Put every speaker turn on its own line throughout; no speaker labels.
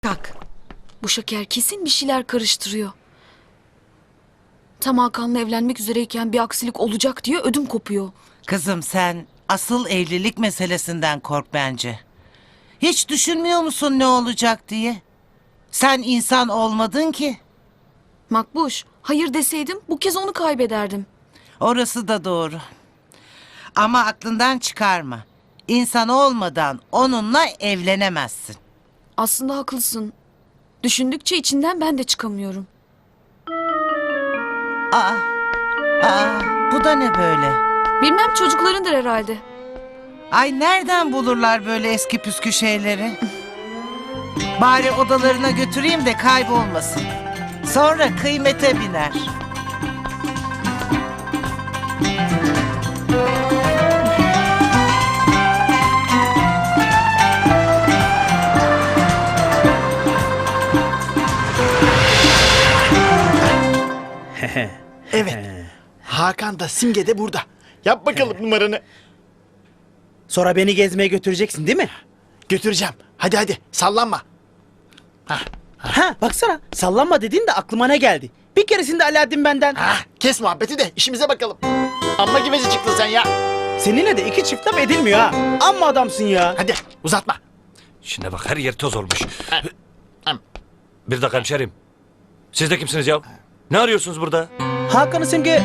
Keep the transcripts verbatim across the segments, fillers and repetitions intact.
Kalk. Bu Şeker kesin bir şeyler karıştırıyor. Tam Hakan'la evlenmek üzereyken bir aksilik olacak diye ödüm kopuyor.
Kızım sen asıl evlilik meselesinden kork bence. Hiç düşünmüyor musun ne olacak diye? Sen insan olmadın ki.
Makbuş, hayır deseydim bu kez onu kaybederdim.
Orası da doğru. Ama aklından çıkarma. İnsan olmadan onunla evlenemezsin.
Aslında haklısın. Düşündükçe içinden ben de çıkamıyorum.
Aa, aa, bu da ne böyle?
Bilmem, çocuklarındır herhalde.
Ay nereden bulurlar böyle eski püskü şeyleri? Bari odalarına götüreyim de kaybolmasın. Sonra kıymete biner.
Evet. Hakan da Simge de burada. Yap bakalım numaranı.
Sonra beni gezmeye götüreceksin değil mi?
Götüreceğim. Hadi hadi sallanma.
Ha baksana, sallanma dediğin de aklıma ne geldi? Bir keresinde Alaaddin benden.
Ha, kes muhabbeti de işimize bakalım. Amma givezi çıktın sen ya.
Seninle de iki çift laf edilmiyor ha. Amma adamsın ya.
Hadi uzatma.
Şimdi bak her yer toz olmuş.
Hem.
Bir dakika hemşerim. Siz de kimsiniz ya? Ne arıyorsunuz burada?
Hakan'ı Simge...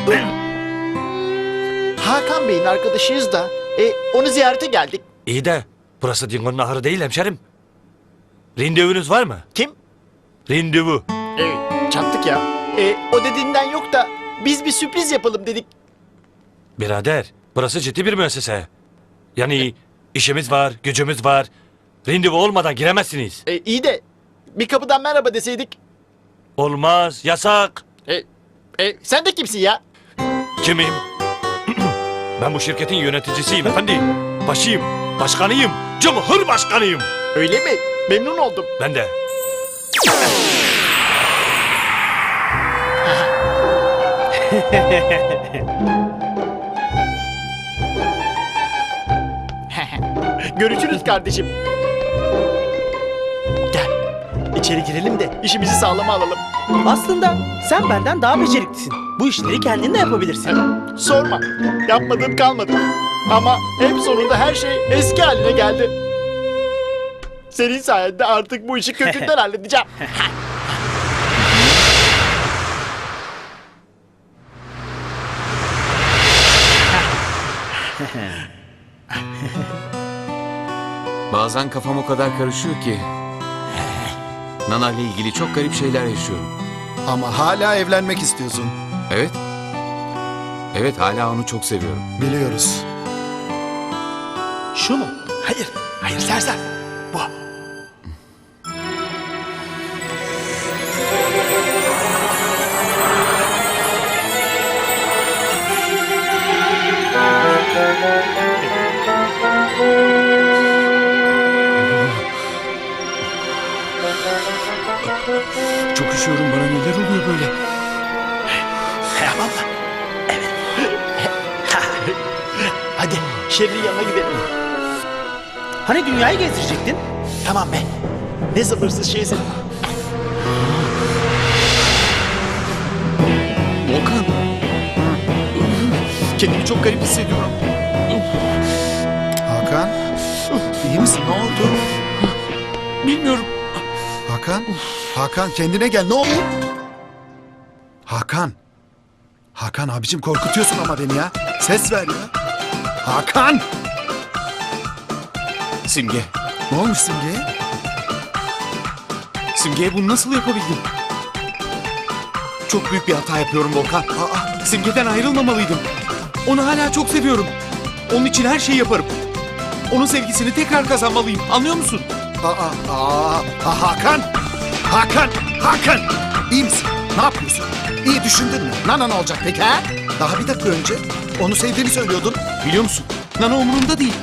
Hakan Bey'in arkadaşıyız da e, onu ziyarete geldik.
İyi de burası Dingo'nun ahırı değil hemşerim. Rindevunuz var mı?
Kim?
Rindevu.
E, çattık ya. E, o dediğinden yok da biz bir sürpriz yapalım dedik.
Birader burası ciddi bir müessese. Yani işimiz var, gücümüz var. Rindevu olmadan giremezsiniz.
E, iyi de bir kapıdan merhaba deseydik.
Olmaz, yasak.
E, e, sen de kimsin ya?
Kimim? Ben bu şirketin yöneticisiyim efendi. Başıyım, başkanıyım, cumhurbaşkanıyım.
Öyle mi? Memnun oldum.
Ben de.
Görüşürüz kardeşim. Gel. İçeri girelim de işimizi sağlama alalım.
Aslında sen benden daha beceriklisin. Bu işleri kendin de yapabilirsin.
Sorma. Yapmadığım kalmadı. Ama en sonunda her şey eski haline geldi. Senin sayende artık bu işi kökünden halledeceğim.
Bazen kafam o kadar karışıyor ki. Nana ile ilgili çok garip şeyler yaşıyorum.
Ama hala evlenmek istiyorsun.
Evet. Evet hala onu çok seviyorum.
Biliyoruz.
Şu mu? Hayır. Hayır sersem. Bu.
Çok üşüyorum, bana neler oluyor böyle?
Tamam mı? Evet. Hadi Şerrin yanına gidelim.
Hani dünyayı gezdirecektin?
Tamam be. Ne sabırsız şeysin.
Volkan. Kendimi çok garip hissediyorum.
Hakan, iyi misin? Ne oldu?
Bilmiyorum.
Hakan, Hakan kendine gel. Ne oldu? Hakan. Hakan abicim korkutuyorsun ama beni ya. Ses ver ya. Hakan!
Simge.
Ne olmuş Simge'ye?
Simge'ye bunu nasıl yapabildim? Çok büyük bir hata yapıyorum Volkan. Aa, Simge'den ayrılmamalıydım. Onu hala çok seviyorum. Onun için her şeyi yaparım. Onun sevgisini tekrar kazanmalıyım. Anlıyor musun?
Aa, aa, aa, Hakan! Hakan! Hakan! İyi misin? Ne yapıyorsun? İyi düşündün mü? Nana ne olacak peki ha? Daha bir dakika önce onu sevdiğini söylüyordun.
Biliyor musun? Nana umurumda değil.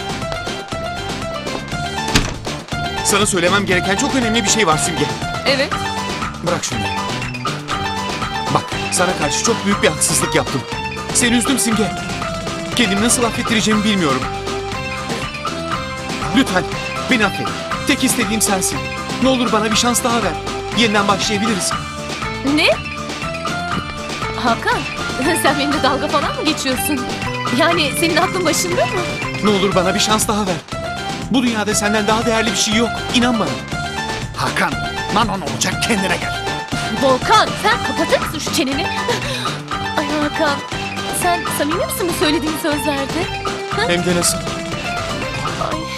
Sana söylemem gereken çok önemli bir şey var Simge.
Evet.
Bırak şunu. Bak, sana karşı çok büyük bir haksızlık yaptım. Seni üzdüm Simge. Kendimi nasıl affettireceğimi bilmiyorum. Lütfen beni affet. Tek istediğim sensin. Ne olur bana bir şans daha ver. Yeniden başlayabiliriz.
Ne? Hakan, sen benimle dalga falan mı geçiyorsun? Yani senin aklın başında mı?
Ne olur bana bir şans daha ver. Bu dünyada senden daha değerli bir şey yok. İnan bana.
Hakan, Nano ne olacak kendine gel.
Volkan, sen kapatır mısın şu çeneni? Ay Hakan, sen samimi misin bu söylediğin sözlerde?
Hem de nasıl?
Ay.